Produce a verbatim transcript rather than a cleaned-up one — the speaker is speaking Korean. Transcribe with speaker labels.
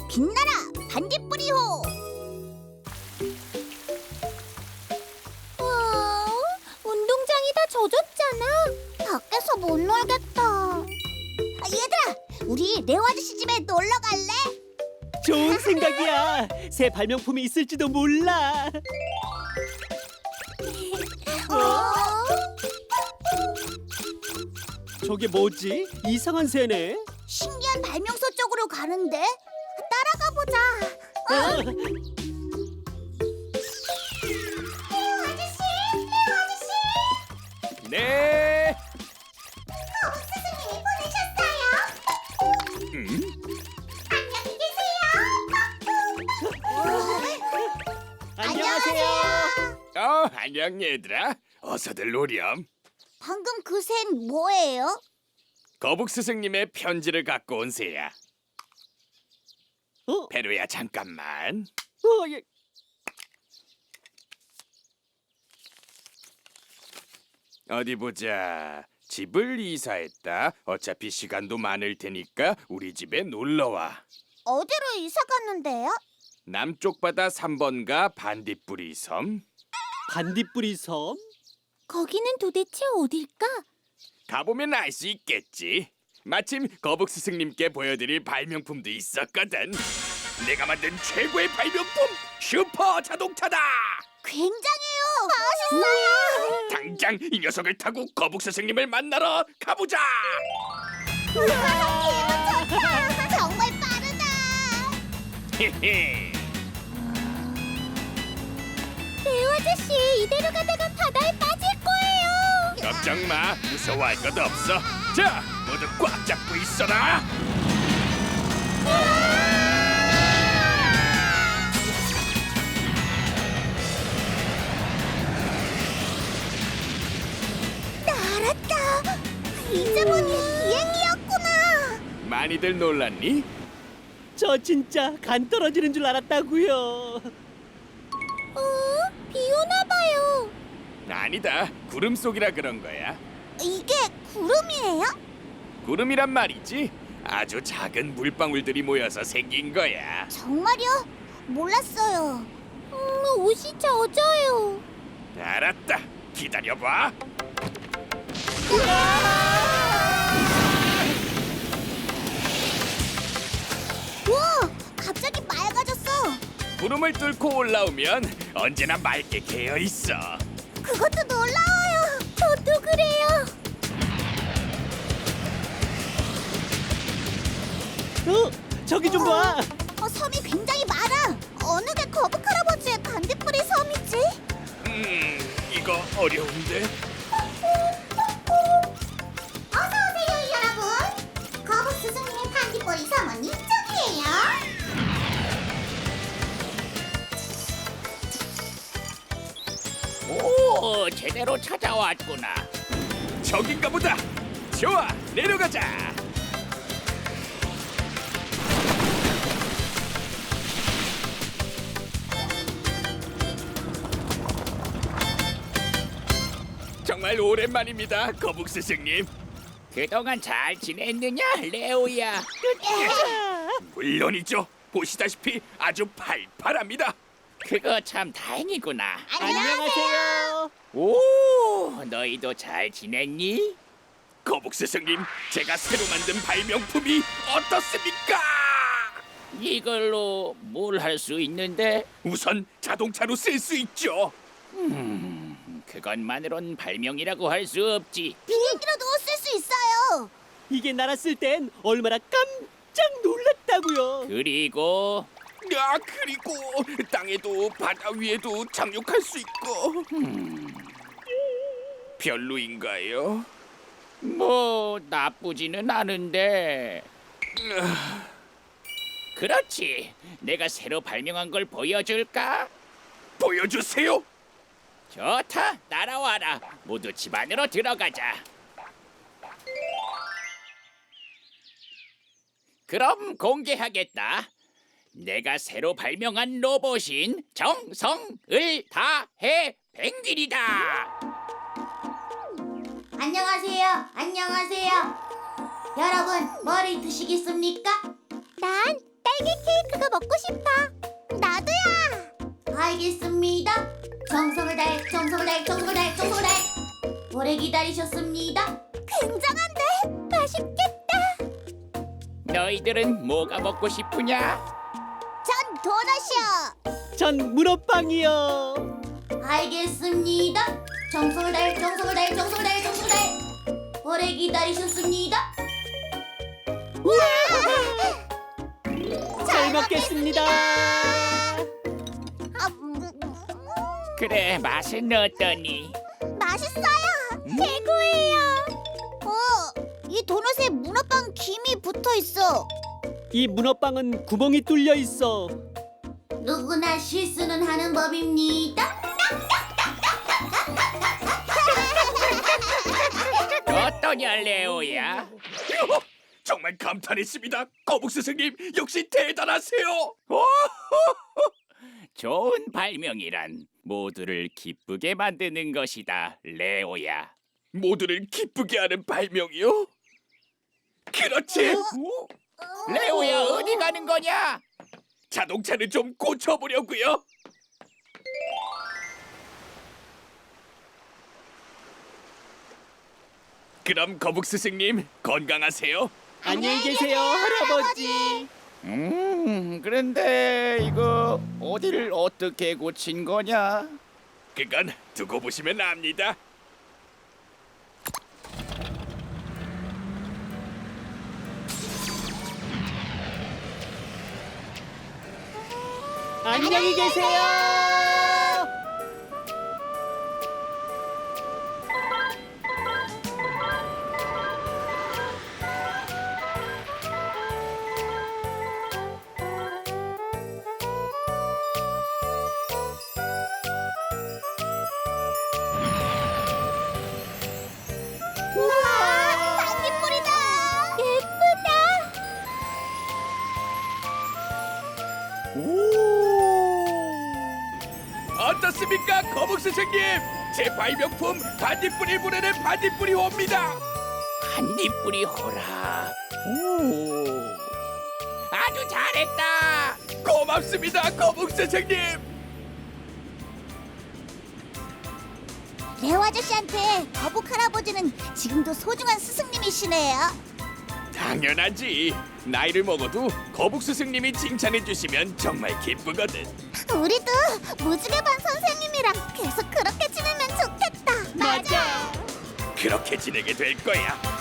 Speaker 1: 빛나라 반딧불이호. 와, 운동장이 다 젖었잖아. 밖에서 못 놀겠다. 아, 얘들아, 우리 레오 아저씨 집에 놀러 갈래?
Speaker 2: 좋은 생각이야. 새 발명품이 있을지도 몰라.
Speaker 1: 어?
Speaker 2: 저게 뭐지? 이상한 새네.
Speaker 1: 신기한 발명소 쪽으로 가는데 따라가 보자. 어? 레오 아저씨, 레오 아저씨.
Speaker 3: 네.
Speaker 1: 거북 스승님이 보내셨어요.
Speaker 3: 음?
Speaker 1: 안녕히 계세요.
Speaker 2: 안녕하세요.
Speaker 3: 어, 안녕 얘들아. 어서들 오렴.
Speaker 1: 방금 그 새는 뭐예요?
Speaker 3: 거북 스승님의 편지를 갖고 온 새야.
Speaker 2: 어?
Speaker 3: 페루야 잠깐만.
Speaker 2: 어, 예.
Speaker 3: 어디 보자. 집을 이사했다. 어차피 시간도 많을 테니까 우리 집에 놀러 와.
Speaker 1: 어디로 이사 갔는데요?
Speaker 3: 남쪽 바다 삼 번가 반딧불이 섬.
Speaker 2: 반딧불이 섬?
Speaker 1: 거기는 도대체 어딜까?
Speaker 3: 가보면 알 수 있겠지. 마침 거북 스승님께 보여드릴 발명품도 있었거든. 내가 만든 최고의 발명품 슈퍼 자동차다.
Speaker 1: 굉장해요. 멋있어요.
Speaker 3: 당장 이 녀석을 타고 거북 스승님을 만나러 가보자.
Speaker 1: 기분 좋다. 정말 빠르다.
Speaker 3: 헤헤.
Speaker 1: 레오 아저씨, 이대로 가다가 바다에 빠질 거예요.
Speaker 3: 걱정 마. 무서워할 것도 없어. 자, 모두 꽉 잡고 있어라.
Speaker 1: 나 알았다. 이제 보니 비행기였구나.
Speaker 3: 많이들 놀랐니?
Speaker 2: 저 진짜 간 떨어지는 줄 알았다고요.
Speaker 1: 어? 비 오나 봐요.
Speaker 3: 아니다. 구름 속이라 그런 거야.
Speaker 1: 이게 구름이에요?
Speaker 3: 구름이란 말이지. 아주 작은 물방울들이 모여서 생긴 거야.
Speaker 1: 정말요? 몰랐어요. 음, 옷이 젖어요.
Speaker 3: 알았다. 기다려봐.
Speaker 1: 우와, 갑자기 맑아졌어.
Speaker 3: 구름을 뚫고 올라오면 언제나 맑게 개어 있어.
Speaker 1: 그것도 놀라워요. 저도 그래요.
Speaker 2: 어? 저기 좀 봐.
Speaker 1: 어, 섬이 굉장히 많아. 어느 게 거북 할아버지의 반딧불이 섬이지?
Speaker 3: 음, 이거 어려운데.
Speaker 1: 어서 오세요, 여러분. 거북 스승님의 반딧불이 섬은 이쪽이에요.
Speaker 4: 오, 제대로 찾아왔구나.
Speaker 3: 저긴가 보다. 좋아, 내려가자. 정말 오랜만입니다, 거북 스승님.
Speaker 4: 그동안 잘 지냈느냐, 레오야?
Speaker 3: 물론이죠. 보시다시피 아주 팔팔합니다.
Speaker 4: 그거 참 다행이구나.
Speaker 2: 안녕하세요.
Speaker 4: 오, 너희도 잘 지냈니?
Speaker 3: 거북 스승님, 제가 새로 만든 발명품이 어떻습니까?
Speaker 4: 이걸로 뭘 할 수 있는데?
Speaker 3: 우선 자동차로 쓸 수 있죠.
Speaker 4: 그것만으론 발명이라고 할 수 없지.
Speaker 1: 비행기로도 쓸 수 있어요.
Speaker 2: 이게 날았을 땐 얼마나 깜짝 놀랐다고요.
Speaker 4: 그리고
Speaker 3: 야, 그리고 땅에도 바다 위에도 착륙할 수 있고. 별로인가요?
Speaker 4: 뭐 나쁘지는 않은데. 그렇지. 내가 새로 발명한 걸 보여줄까?
Speaker 3: 보여주세요.
Speaker 4: 좋다. 따라와라. 모두 집 안으로 들어가자. 그럼 공개하겠다. 내가 새로 발명한 로봇인 정성을 다해 펭귄이다.
Speaker 1: 안녕하세요. 안녕하세요. 여러분, 머리 드시겠습니까? 난 딸기 케이크가 나도 먹고 싶어. 나도야. 알겠습니다. 정성을 다해, 정성을 다해, 정성을 다해, 정성을 다해. 오래 기다리셨습니다. 굉장한데 맛있겠다.
Speaker 4: 너희들은 뭐가 먹고 싶으냐?
Speaker 1: 전 도넛이요.
Speaker 2: 전 문어빵이요.
Speaker 1: 알겠습니다. 정성을 다해, 정성을 다해, 정성을 다해, 정성을 다해. 오래 기다리셨습니다.
Speaker 2: 잘 먹겠습니다.
Speaker 1: 아, 음,
Speaker 4: 그래, 맛은 어떠니?
Speaker 1: 맛있어요. 최고예요. 어, 이 도넛에 문어빵 김이 붙어 있어.
Speaker 2: 이 문어빵은 구멍이 뚫려 있어.
Speaker 1: 누구나 실수는 하는 법입니다.
Speaker 4: 어떠냐, 레오야?
Speaker 3: 어, 정말 감탄했습니다. 거북 스승님 역시 대단하세요. 어?
Speaker 4: 좋은 발명이란 모두를 기쁘게 만드는 것이다, 레오야.
Speaker 3: 모두를 기쁘게 하는 발명이요? 그렇지.
Speaker 4: 레오야, 어디 가는 거냐?
Speaker 3: 자동차를 좀 고쳐보려고요. 그럼 거북 스승님 건강하세요.
Speaker 2: 안녕히 계세요, 할아버지.
Speaker 4: 음, 그런데 이거 어디를 어떻게 고친 거냐?
Speaker 3: 그건 두고 보시면 압니다.
Speaker 2: 안녕히 계세요.
Speaker 1: 우와, 반딧불이다. 예쁘다.
Speaker 3: 어떻습니까, 거북 스승님? 제 발명품 반딧불이 부르는 반딧불이 옵니다.
Speaker 4: 반딧불이 호라. 오, 아주 잘했다.
Speaker 3: 고맙습니다, 거북 스승님.
Speaker 1: 레오 아저씨한테 거북 할아버지는 지금도 소중한 스승님이시네요.
Speaker 3: 당연하지. 나이를 먹어도 거북 스승님이 칭찬해 주시면 정말 기쁘거든.
Speaker 1: 우리도 무지개반 선생님이랑 계속 그렇게 지내면 좋겠다.
Speaker 2: 맞아.
Speaker 3: 그렇게 지내게 될 거야.